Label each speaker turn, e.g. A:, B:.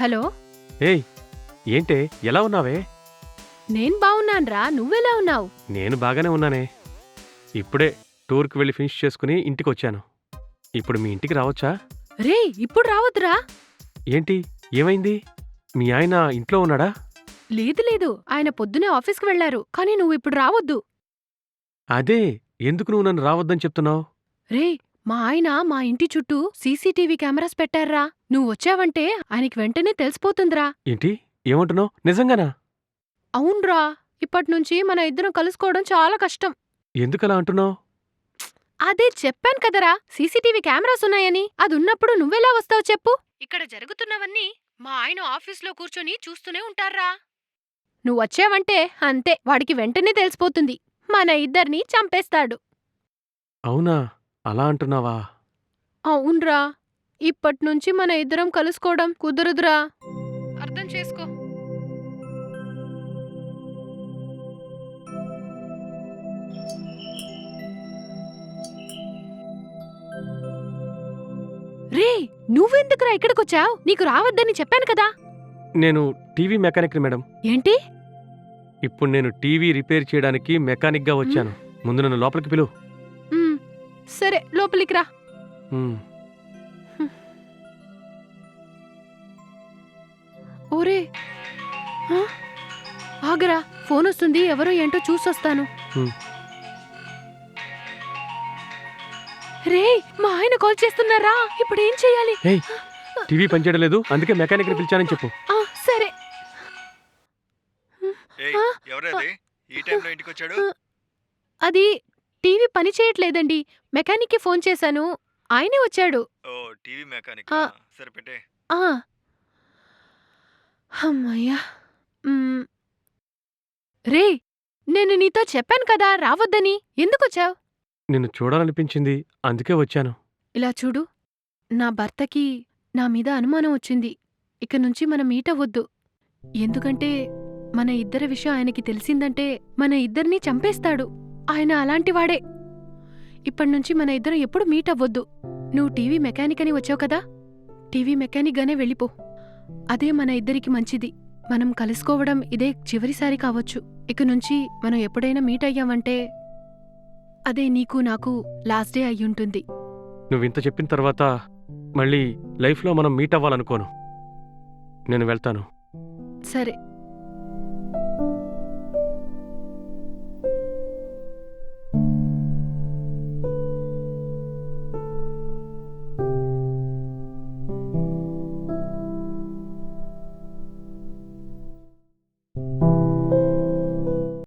A: Hello.
B: ఏయ్ ఏంటే ఎలా ఉన్నావే?
A: నేను బావున్నాన్రా, నువ్వెలా ఉన్నావు?
B: నేను బాగానే ఉన్నానే. ఇప్పుడే టూర్కి వెళ్ళి ఫినిష్ చేసుకుని ఇంటికొచ్చాను. ఇప్పుడు మీ ఇంటికి రావచ్చా?
A: రే, ఇప్పుడు రావద్దురా.
B: ఏంటి ఏమైంది? మీ ఆయన ఇంట్లో ఉన్నాడా?
A: లేదు లేదు, ఆయన పొద్దునే ఆఫీస్కి వెళ్లారు. కానీ నువ్విప్పుడు రావద్దు.
B: అదే ఎందుకు నువ్వు నన్ను రావద్దని చెప్తున్నావు?
A: రే, మా ఆయన మా ఇంటి చుట్టూ సీసీటీవీ కెమెరాస్ పెట్టారా. నువ్వొచ్చావంటే ఆయనకి వెంటనే తెలిసిపోతుందిరా.
B: ఏంటి ఏమంటున్నావు? నిజంగానా?
A: అవున్రా, ఇప్పట్నుంచి మన ఇద్దరం కలుసుకోవడం చాలా కష్టం.
B: ఎందుకలా అంటున్నావు?
A: అదే చెప్పాను కదరా, సీసీటీవీ కెమెరాస్ ఉన్నాయని. అదున్నప్పుడు నువ్వెలా వస్తావు చెప్పు? ఇక్కడ జరుగుతున్నవన్నీ మా ఆయన ఆఫీస్లో కూర్చొని చూస్తూనే ఉంటారా. నువ్వొచ్చావంటే అంతే, వాడికి వెంటనే తెలిసిపోతుంది. మన ఇద్దర్నీ చంపేస్తాడు.
B: అవునా, అలా అంటున్నావా?
A: అవున్రా, ఇప్పట్నుంచి మన ఇద్దరం కలుసుకోవడం కుదరదురా. అర్థం చేసుకో. రే, నువ్వెందుకురా ఇక్కడికొచ్చావ్? నీకు రావద్దని చెప్పాను కదా.
B: నేను టీవీ మెకానిక్ని మేడం.
A: ఏంటి?
B: ఇప్పుడు నేను టీవీ రిపేర్ చేయడానికి మెకానిక్గా వచ్చాను. ముందు నన్ను లోపలికి పిలువు.
A: సరే, లోపలికి రా.
B: ఉమ్.
A: ఓరే, ఆ? ఆగరా, ఫోన్ వస్తుంది, ఎవరో ఏంటో చూసొస్తాను.
B: ఉమ్.
A: రే, మా ఆయన కాల్ చేస్తున్నారా, ఇప్పుడేం చెయ్యాలి?
B: ఏయ్ టీవీ పనిచేయడం లేదు, అందుకే మెకానిక్ని పిలిచానని చెప్పు.
A: సరే.
C: ఏయ్, ఎవరది ఈ టైంలో ఇంటికి వచ్చాడు?
A: అది టీవీ పని చేయట్లేదండి, మెకానిక్కి ఫోన్ చేశాను, ఆయనే వచ్చాడు.
C: ఓ టీవీ మెకానిక్.
A: ఆ.
C: సరే పెట్టే.
A: ఆ. అమ్మయ్యా. రే, నేను నీతో చెప్పాను కదా రావద్దని, ఎందుకొచ్చావ్?
B: నిన్ను చూడాలనిపించింది, అందుకే వచ్చాను.
A: ఇలా చూడు, నా భర్తకి నా మీద అనుమానం వచ్చింది. ఇక నుంచి మనం మీట్ అవ్వొద్దు. ఎందుకంటే మన ఇద్దరి విషయం ఆయనకి తెలిసిందంటే మన ఇద్దరినీ చంపేస్తాడు. ఆయన అలాంటివాడే. ఇప్పటినుంచి మన ఇద్దరం ఎప్పుడు మీట్ అవ్వొద్దు. నువ్వు టీవీ మెకానిక్ అని వచ్చావు కదా, టీవీ మెకానిక్గానే వెళ్ళిపో. అదే మన ఇద్దరికి మంచిది. మనం కలుసుకోవడం ఇదే చివరిసారి కావచ్చు. ఇక నుంచి మనం ఎప్పుడైనా మీట్ అయ్యామంటే అదే నీకు నాకు లాస్ట్ డే అయ్యుంటుంది.
B: నువ్వింత చెప్పిన తర్వాత మళ్ళీ లైఫ్లో మనం మీట్ అవ్వాలనుకోను. నేను వెళ్తాను.
A: సరే.